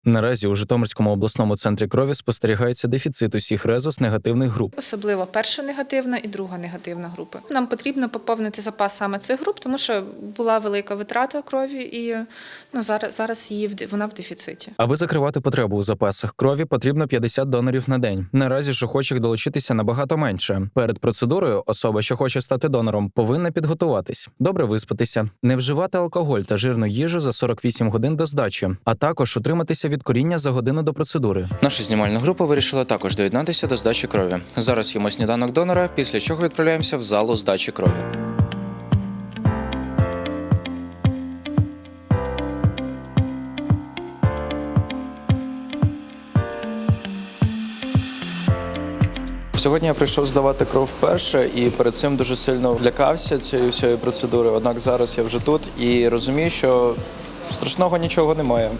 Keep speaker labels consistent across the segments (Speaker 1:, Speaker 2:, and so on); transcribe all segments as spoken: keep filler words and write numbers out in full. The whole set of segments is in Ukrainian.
Speaker 1: Наразі у Житомирському обласному центрі крові спостерігається дефіцит усіх резус-негативних груп.
Speaker 2: Особливо перша негативна і друга негативна групи. Нам потрібно поповнити запас саме цих груп, тому що була велика витрата крові і ну, зараз, зараз її, вона в дефіциті.
Speaker 1: Аби закривати потребу у запасах крові, потрібно п'ятдесят донорів на день. Наразі ж охочих долучитися набагато менше. Перед процедурою особа, що хоче стати донором, повинна підготуватись, добре виспатися, не вживати алкоголь та жирну їжу за сорок вісім годин до здачі, а також утриматися від коріння за годину до процедури. Наша знімальна група вирішила також доєднатися до здачі крові. Зараз їмо сніданок донора, після чого відправляємося в залу здачі крові. Сьогодні я прийшов здавати кров вперше і перед цим дуже сильно лякався цієї всієї процедури. Однак зараз я вже тут і розумію, що страшного нічого немає.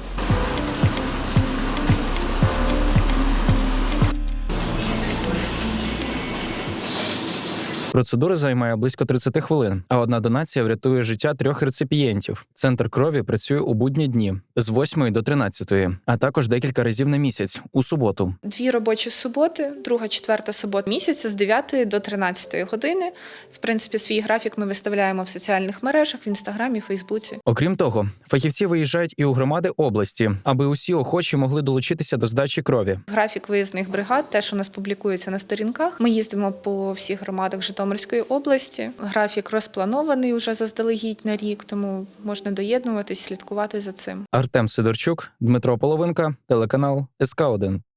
Speaker 1: Процедура займає близько тридцять хвилин, а одна донація врятує життя трьох реципієнтів. Центр крові працює у будні дні з восьмої до тринадцятої, а також декілька разів на місяць у суботу.
Speaker 2: Дві робочі суботи, друга, четверта субота місяця з дев'ятої до тринадцятої години. В принципі, свій графік ми виставляємо в соціальних мережах, в Інстаграмі, Фейсбуці.
Speaker 1: Окрім того, фахівці виїжджають і у громади області, аби усі охочі могли долучитися до здачі крові.
Speaker 2: Графік виїзних бригад теж у нас публікується на сторінках. Ми їздимо по всіх громадах Житомирської області. Графік розпланований уже заздалегідь на рік, тому можна доєднуватись, слідкувати за цим.
Speaker 1: Артем Сидорчук, Дмитро Половинка, телеканал ес ка один.